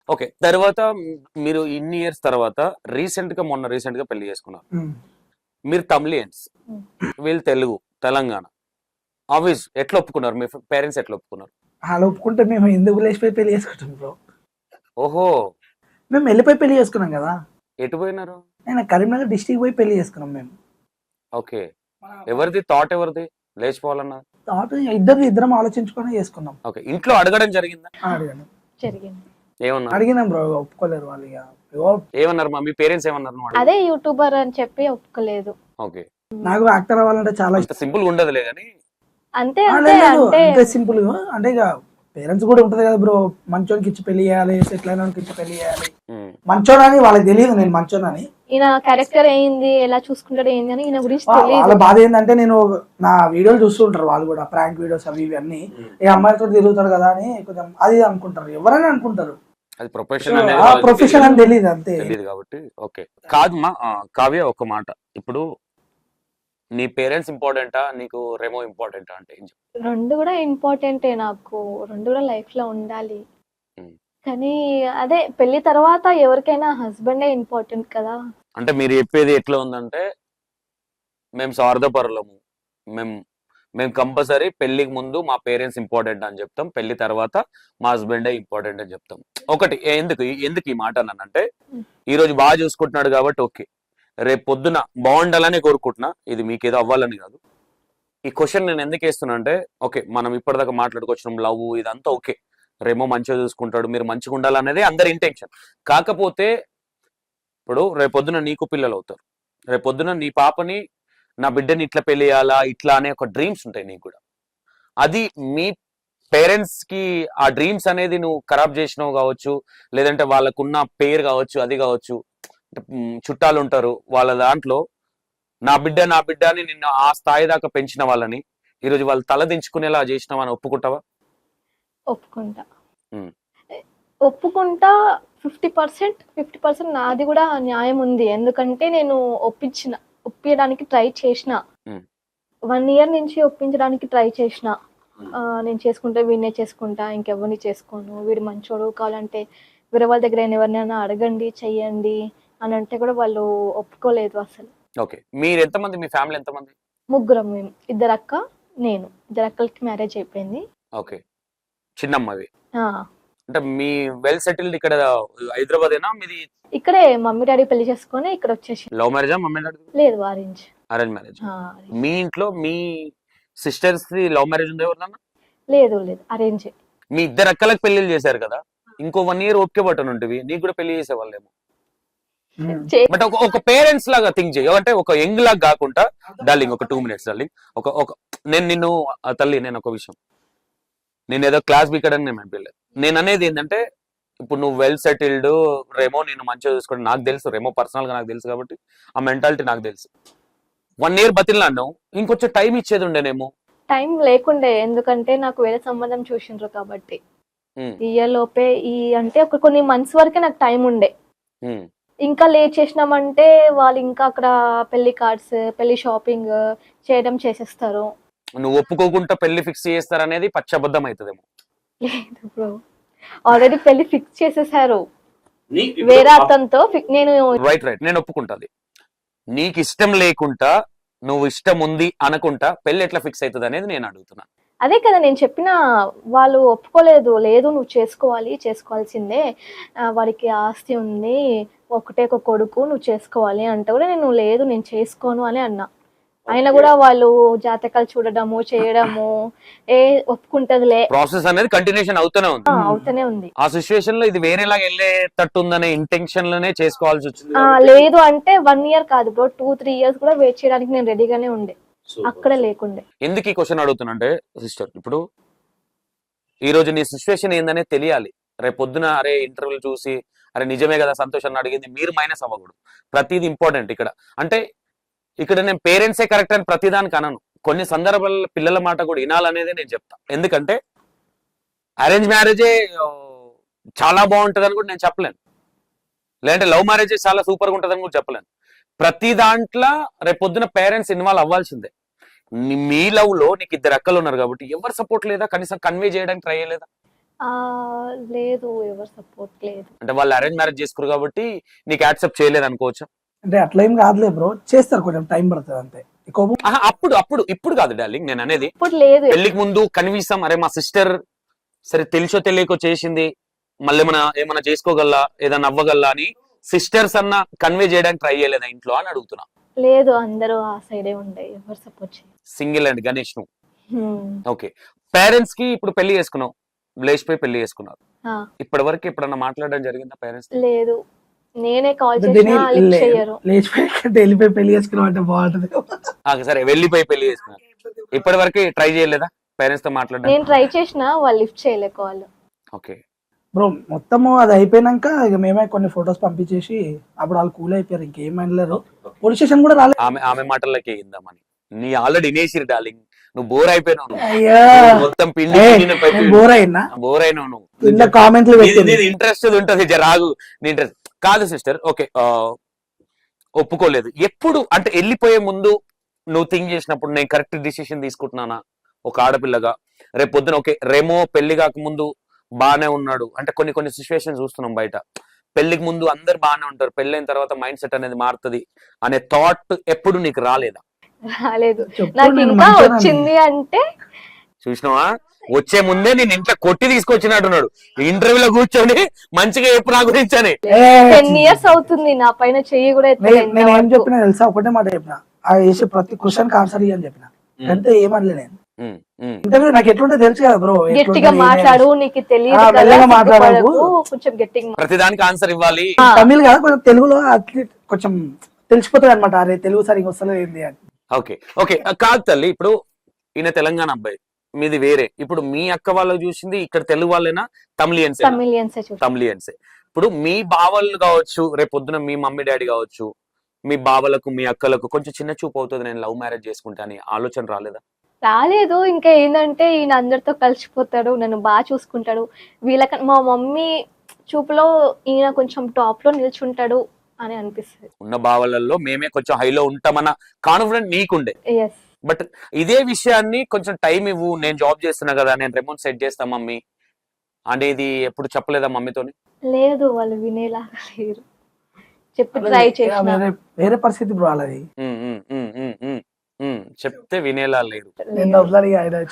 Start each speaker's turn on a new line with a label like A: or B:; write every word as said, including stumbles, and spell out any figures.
A: Okay. తర్వాత మీరు ఇన్ని ఇయర్స్ తర్వాత రీసెంట్ గా మొన్న రీసెంట్ గా పెళ్లి చేసుకున్నారు. మీరు తమిళియన్స్, వీళ్ళు తెలుగు, తెలంగాణ. ఆబ్వియస్ ఎట్లా ఒప్పుకున్నారు? మీ పేరెంట్స్ ఎట్లా ఒప్పుకున్నారు?
B: అలా ఒప్పుకుంటే మేము ఎందుకు లేచిపోయి పెళ్లి చేసుకుంటాం బ్రో?
A: ఓహో!
B: మేము వెళ్ళిపోయి పెళ్లి చేసుకున్నాం కదా.
A: ఎటు పోయినారు?
B: నేను కరీంనగర్ డిస్ట్రిక్ట్ పోయి పెళ్లి చేసుకున్నాం మేము.
A: ఓకే. ఎవరిది థాట్? ఎవరిది లేచిపోవాలన్న
B: థాట్? ఇద్దరు ఇద్దరం ఆలోచించుకొని చేసుకున్నాం.
A: ఓకే. ఇంట్లో అడగడం జరిగిందా?
B: అడిగాను,
C: జరిగింది.
A: ఏమన్నారు?
B: అడిగినాం బ్రో, ఒప్పుకోలేరు వాళ్ళు. ఇక ఏవో
A: ఏమన్నారు? మా మీ పేరెంట్స్ ఏమన్నారు? నువ్వు అడిగితే?
C: అదే యూట్యూబర్ అని చెప్పి ఒప్పుకోలేదు.
A: ఓకే.
B: నాకు యాక్టర్ అవ్వాలంటే చాలా
A: అంత సింపుల్ గా ఉండదులే కానీ
C: అంతే
B: ఆ,
C: అంతే
B: లేదు, లేదు,
C: అంటే
B: అంతే సింపుల్ గా. అంటే ఇక పేరెంట్స్ కూడా ఉంటది కదా బ్రో, మంచోనికి ఇచ్చి పెళ్లి చేయాలి, సెటిల్ అయిన ఇచ్చి పెళ్లి చేయాలి.
A: ఉమ్,
B: మంచోనని వాళ్ళకి తెలియదు నేను మంచోనని.
C: ఈయన క్యారెక్టర్ ఏంది, ఎలా చూసుకుంటాడు ఏంది అని ఈయన గురించి
B: వా- వాళ్ళ
C: తెలియదు.
B: బాధ ఏంటంటే, నేను నా వీడియోలు చూస్తూ ఉంటారు వాళ్ళు కూడా, ప్రాంక్ వీడియోస్ అవి ఇవి అన్ని. ఏ అమ్మాయితో తిరుగుతాడు కదా అని కొంచెం అది అనుకుంటారు, ఎవరైనా అనుకుంటారు.
A: అది ప్రొఫెషన్ అనేది
B: ఆ
A: వాళ్ళకి
B: ప్రొఫెషన్ అని తెలియదు అంతే.
A: తెలియదు కాబట్టి ఓకే. కాదు మా ఆ, కావ్య ఒక మాట. ఇప్పుడు నీ పేరెంట్స్ ఇంపార్టెంటా, నీకు రెమో ఇంపార్టెంటా అంటే ఏం చెప్తావు?
C: రెండు కూడా ఇంపార్టెంటే నాకు, రెండు కూడా లైఫ్ లో ఉండాలి.
A: ఉమ్.
C: కానీ అదే పెళ్లి తర్వాత ఎవరికైనా హస్బెండే ఇంపార్టెంట్ కదా.
A: అంటే మీరు చెప్పేది ఎట్లా ఉందంటే, మేము స్వార్థపరులము, మేము మేము కంపల్సరీ పెళ్లికి ముందు మా పేరెంట్స్ ఇంపార్టెంట్ అని చెప్తాం, పెళ్లి తర్వాత మా హస్బెండే ఇంపార్టెంట్ అని చెప్తాం. ఒకటి ఏ- ఎందుకు ఎందుకు ఈ మాట అన్నానంటే, ఈ రోజు బాగా చూసుకుంటున్నాడు కాబట్టి ఓకే, రేపు పొద్దున బాగుండాలని కోరుకుంటున్నా, ఇది మీకు ఏదో అవ్వాలని కాదు. ఈ క్వశ్చన్ నేను ఎందుకు వేస్తున్నా అంటే, ఓకే మనం ఇప్పటిదాకా మాట్లాడుకొచ్చినాం లవ్ ఇదంతా ఓకే, రేమో మంచిగా చూసుకుంటాడు, మీరు మంచిగా ఉండాలనేది అందరి ఇంటెన్షన్. కాకపోతే ఇప్పుడు రేపొద్దున నీకు పిల్లలు అవుతారు, రేపొద్దున నీ పాపని, నా బిడ్డని ఇట్లా పెళ్లి చేయాలా ఇట్లా అనే ఒక డ్రీమ్స్ ఉంటాయి నీకు కూడా. అది మీ పేరెంట్స్ కి ఆ డ్రీమ్స్ అనేది నువ్వు ఖరాబ్ చేసినావు కావచ్చు, లేదంటే వాళ్ళకున్న పేరు కావచ్చు, అది కావచ్చు. అంటే, మ్, చుట్టాలు ఉంటారు వాళ్ళ దాంట్లో, నా బిడ్డ నా బిడ్డ అని నిన్ను ఆ స్థాయి దాకా పెంచిన వాళ్ళని ఈరోజు వాళ్ళు తల దించుకునేలా చేసినావా అని ఒప్పుకుంటావా?
C: ఒప్పుకుంటా.
A: ఉమ్.
C: ఒప్పుకుంటా. ఫిఫ్టీ పర్సెంట్ ఫిఫ్టీ పర్సెంట్ నాది కూడా న్యాయం ఉంది. ఎందుకంటే నేను ఒప్పించిన ఒప్పించడానికి ట్రై చేసిన,
A: ఉమ్.
C: వన్ ఇయర్ నుంచి ఒప్పించడానికి ట్రై చేసిన.
A: ఉమ్.
C: ఆ, నేను చేసుకుంటే వీడినే చేసుకుంటా, ఇంకెవరిని చేసుకోను, వీడు మంచోడు, కావాలంటే వేరే వాళ్ళ దగ్గర ఎవరినైనా అడగండి చెయ్యండి అని అంటే కూడా వాళ్ళు ఒప్పుకోలేదు అసలు.
A: ఓకే. మీరు ఎంతమంది, మీ ఫ్యామిలీ ఎంతమంది?
C: ముగ్గురం మేము, ఇద్దరు అక్క, నేను. ఇద్దరు అక్కలకి మ్యారేజ్ అయిపోయింది.
A: ఓకే. చిన్నమ్మవి
C: ఆ,
A: అంటే మీ వెల్ సెటిల్డ్ ఇక్కడ హైదరాబాదేనా మీది?
C: ఇక్కడే మమ్మీ డాడీ పెళ్లి చేసుకొని ఇక్కడ వచ్చేసి.
A: లవ్ మ్యారేజా? మమ్మీ డాడీ
C: లేదు, ఆరెంజ్.
A: Arrange marriage?
C: ఆ,
A: మీ ఇంట్లో మీ సిస్టర్స్ ది లవ్ మ్యారేజ్ ఉంది ఎవరినన్నా?
C: లేదు లేదు, అరేంజ్.
A: మీ ఇద్దరు అక్కలకు పెళ్లిళ్ళు చేశారు కదా, ఇంకో వన్ ఇయర్ ఓకే బట్టను ఉంటుంది, నీకు కూడా పెళ్లి చేసేవాళ్ళేమో. బట్ ఒక ఒక పేరెంట్స్ లాగా థింక్ చేయ, అంటే ఒక యంగ్ లాగా కాకుండా, డార్లింగ్ ఒక టూ మినిట్స్ డార్లింగ్, ఒక ఒక నేను నిన్ను ఆ తల్లి, నేను ఒక విషయం, నేను ఏదో క్లాస్ బీకడానికి నేను అనిపించలేదు. నేను అనేది ఏంటంటే, ఇప్పుడు నువ్వు వెల్ సెటిల్డ్, రేమో నేను మంచిగా చూసుకోండి, నాకు తెలుసు, రేమో పర్సనల్ గా నాకు తెలుసు కాబట్టి ఆ మెంటాలిటీ నాకు తెలుసు. వన్ ఇయర్ బతిలాడినావు, ఇంకొంచెం టైం ఇచ్చేది ఉండేనేమో.
C: టైం లేకుండే, ఎందుకంటే నాకు వేరే సంబంధం చూసిండ్రు కాబట్టి.
A: ఉమ్,
C: ఈ ఇయర్ లోపే ఈ అంటే ఒక కొన్ని మంత్స్ వరకే నాకు టైం ఉండే.
A: ఉమ్,
C: ఇంకా లేట్ చేసినామంటే వాళ్ళు ఇంకా అక్కడ పెళ్లి కార్డ్స్, పెళ్లి షాపింగ్ చేయడం చేసేస్తారు.
A: నువ్వు ఒప్పుకోకుండా పెళ్లి ఫిక్స్ చేస్తారనేది పచ్చబద్ధం అవుతుందేమో.
C: లేదు బ్రో, ఆల్రెడీ పెళ్లి ఫిక్స్ చేసేసారు వేరే అతనితో. ఫి- నేను
A: రైట్ రైట్ నేను ఒప్పుకుంటాది. నీకు ఇష్టం లేకుండా, నువ్వు ఇష్టం ఉంది అనుకుంటా పెళ్లి ఎట్లా ఫిక్స్ అవుతుంది అనేది నేను అడుగుతున్నా.
C: అదే కదా నేను చెప్పిన, వాళ్ళు ఒప్పుకోలేదు. లేదు నువ్వు చేసుకోవాలి, చేసుకోవాల్సిందే, ఆ, వాడికి ఆస్తి ఉంది, ఒకటే ఒక కొడుకు, నువ్వు చేసుకోవాలి అంటే కూడా నేను లేదు నేను చేసుకోను అని అన్నా. అయినా కూడా వాళ్ళు జాతకాలు చూడడము చేయడము, ఏ ఒప్పుకుంటదిలే,
A: ప్రాసెస్ అనేది కంటిన్యూషన్ అవుతూనే ఉంది.
C: ఆ, అవుతూనే ఉంది.
A: ఆ సిచ్యువేషన్ లో ఇది వేరేలాగా వెళ్ళేటట్టు ఉందనే ఇంటెన్షన్ లోనే చేసుకోవాల్సి వచ్చింది
C: ఆ,
A: కాబట్టి.
C: లేదు అంటే వన్ ఇయర్ కాదు బ్రో, టూ త్రీ ఇయర్స్ కూడా వెయిట్ చేయడానికి నేను రెడీగానే ఉండే, అక్కడే లేకుండే.
A: ఎందుకు ఈ క్వశ్చన్ అడుగుతున్నా అంటే, సిస్టర్ ఇప్పుడు ఈ రోజు నీ సిచ్యువేషన్ ఏందనే తెలియాలి. రేపు పొద్దున అరే ఇంటర్వ్యూలు చూసి అరే నిజమే కదా సంతోషాన్ని అడిగింది మీరు మైనస్ అవ్వకూడదు. ప్రతిదీ ఇంపార్టెంట్ ఇక్కడ. అంటే ఇక్కడ నేను పేరెంట్సే కరెక్ట్ అని ప్రతిదానికి అనను, కొన్ని సందర్భాల్లో పిల్లల మాట కూడా వినాలనేది నేను చెప్తా. ఎందుకంటే అరేంజ్ మ్యారేజే చాలా బాగుంటుంది అని కూడా నేను చెప్పలేను, లేదంటే లవ్ మ్యారేజే చాలా సూపర్గా ఉంటుంది అని కూడా చెప్పలేను. ప్రతి దాంట్లో రేపొద్దున పేరెంట్స్ ఇన్వాల్వ్ అవ్వాల్సిందే. నీ- మీ లవ్ లో నీకు ఇద్దరు అక్కలు ఉన్నారు కాబట్టి ఎవరు సపోర్ట్ లేదా, కనీసం కన్వే చేయడానికి ట్రై చేయలేదా?
C: ఆ, లేదు, ఎవరు సపోర్ట్ లేదు.
A: అంటే వాళ్ళు అరేంజ్ మ్యారేజ్ చేసుకున్నారు కాబట్టి నీకు యాక్సెప్ట్ చేయలేదు అనుకోవచ్చు.
B: అంటే అట్లా ఏం కాదులే బ్రో, చేస్తారు, కొంచెం టైం పడుతుంది అంతే. కోపం
A: ఆహా, అప్పుడు అప్పుడు ఇప్పుడు కాదు డార్లింగ్ నేను అనేది,
C: ఇప్పుడు లేదు.
A: పెళ్లికి ముందు కనీసం అరే మా సిస్టర్ సరే తెలుసో తెలియకో చేసింది, మళ్ళీ ఏమైనా ఏమైనా చేసుకోగలరా, ఏదైనా అవ్వగలరా అని సిస్టర్స్ అన్న కన్వే చేయడానికి ట్రై చేయలేదా ఇంట్లో అని అడుగుతున్నా.
C: లేదు, అందరూ ఆ సైడే ఉండే, ఎవరు సపోర్ట్ చేయరు.
A: సింగిల్ అండ్ గణేష్ నువ్వు.
C: హ్మ్.
A: ఓకే, పేరెంట్స్ కి ఇప్పుడు పెళ్లి చేసుకున్నావు, లేచిపోయి పెళ్లి చేసుకున్నారు,
C: ఆ,
A: ఇప్పటి వరకు ఎప్పుడన్నా మాట్లాడడం జరిగిందా పేరెంట్స్?
C: లేదు, నేనే కాల్
B: దీన్ని
C: చేసినా లిఫ్ట్
B: లే-
C: చేయరు.
B: లేచిపోయి కంటే వెళ్ళిపోయి పెళ్లి చేసుకున్నాం అంటే బాగుంటది.
A: సరే వెళ్ళిపోయి పెళ్లి చేసుకున్నారు, ఇప్పటి వరకు ట్రై చేయలేదా పేరెంట్స్ తో మాట్లాడడం?
C: నేను ట్రై చేసినా వాళ్ళు లిఫ్ట్ చేయలే కాల్.
A: ఓకే,
B: బ్రో మొత్తము అది అయిపోయినాక ఇక మేమే కొన్ని ఫొటోస్ పంపించేసి అప్పుడు వాళ్ళు కూల్ అయిపోయారు, ఇంకేం అనలేరు. పోలీస్ స్టేషన్ కూడా రాలేదు.
A: ఆమె ఆమె మాటలకి ఇందామని నీ ఆల్రెడీ వినేసిరు డార్లింగ్, నువ్వు బోర్ అయిపోయినావు నువ్వు.
B: అయ్యా
A: నువ్వు మొత్తం పిండి
B: బోర్ అయినా
A: బోర్ అయినావు నువ్వు.
B: కింద కామెంట్లు పెట్టింది.
A: ఇంట్రెస్ట్ ఉంటది జర రాగు, నీ ఇంట్రెస్ట్ కాదు సిస్టర్. ఓకే, ఒప్పుకోలేదు ఎప్పుడు అంటే వెళ్ళిపోయే ముందు నువ్వు థింక్ చేసినప్పుడు నేను కరెక్ట్ డిసిషన్ తీసుకుంటున్నానా ఒక ఆడపిల్లగా? రేపు పొద్దున ఓకే రెమో పెళ్లి కాకముందు బాగానే ఉన్నాడు అంటే కొన్ని కొన్ని సిచ్యువేషన్ చూస్తున్నాం బయట, పెళ్లికి ముందు అందరు బాగానే ఉంటారు, పెళ్ళైన తర్వాత మైండ్ సెట్ అనేది మారుతుంది అనే థాట్ ఎప్పుడు నీకు రాలేదా?
C: రాలేదు.
B: చెప్పు,
C: నాకు
B: నేను
C: ఇంకా
B: మంచోనని.
C: వచ్చింది అంటే
A: చూసినావా, వచ్చే ముందే నేను ఇంట్లో కొట్టి తీసుకొచ్చినట్టున్నాడు ఇంటర్వ్యూలో కూర్చొని మంచిగా చెప్పు నా గురించి అని.
B: ఏ,
C: టెన్ ఇయర్స్ అవుతుంది నా పైన చెయ్యి కూడా ఎత్తలే
B: నే- నేను ఏం
C: ఇంతవరకు.
B: చెప్పినా తెలుసా, ఒకటే మాట చెప్పిన, ఆ వేసే ప్రతి క్వశ్చన్ ఆన్సర్ ఇయ్యని చెప్పిన, అంటే ఏమనలే. నేను
A: ఉమ్, ఉమ్.
B: ఇంటర్వ్యూ నాకు ఎట్లుంటే తెలుసు కదా బ్రో,
C: గట్టిగా మాట్లాడు, నీకు తెలియదు
B: ఆ,
C: కదా,
B: మెల్లగా మాట్లాడకు.
C: సిగ్గుపడకు, కొంచెం గట్టిగా మాట్లాడు.
A: ప్రతిదానికి ఆన్సర్ ఇవ్వాలి.
C: ఆ,
B: తమిళ్ కదా కొంచెం తెలుగులో అట్లీస్ట్ కొంచెం తెలిసిపోతుంది అనమాట, అరే తెలుగు సరిగ్గా వస్తలేదు ఏంది అని.
A: ఓకే ఓకే కాదు తల్లి, ఇప్పుడు ఈయన తెలంగాణ అబ్బాయి, మీది వేరే, ఇప్పుడు మీ అక్క వాళ్ళకి చూసింది ఇక్కడ తెలుగు వాళ్ళైనా తమిళియన్స్?
C: తమిళియన్సే చూసి.
A: తమిళియన్సే. ఇప్పుడు మీ బావలు కావచ్చు, రేపు పొద్దున మీ మమ్మీ డాడీ కావచ్చు, మీ బావలకు మీ అక్కలకు కొంచెం చిన్న చూపు అవుతుంది నేను లవ్ మ్యారేజ్ చేసుకుంటా అని ఆలోచన రాలేదా?
C: రాలేదు. ఇంకా ఏంటంటే ఈయన అందరితో కలిసిపోతాడు, నన్ను బాగా చూసుకుంటాడు, వీళ్ళక మా మమ్మీ చూపులో ఈయన కొంచెం టాప్ లో నిల్చుంటాడు అని అనిపిస్తుంది.
A: ఉన్న బావలలో మేమే కొంచెం హైలో ఉంటామన్న కాన్ఫిడెంట్ నీకుండే,
C: ఎస్.
A: బట్ ఇదే విషయాన్ని కొంచెం టైం ఇవ్వు, నేను జాబ్ చేస్తున్నా కదా, నేను రెమోట్ సెట్ చేస్తా మమ్మీ అనేది ఎప్పుడు చెప్పలేదా మమ్మీతోని?
C: లేదు, వాళ్ళు వినేలాగా లేరు. చెప్పి ట్రై చేసిన
B: వేరే వేరే పరిస్థితి బ్రో వాళ్ళది.
A: ఉమ్, ఉమ్, ఉమ్, ఉమ్, ఉమ్, ఉమ్. చెప్తే వినేలా లేరు.
B: నేను వదలాలి ఆయన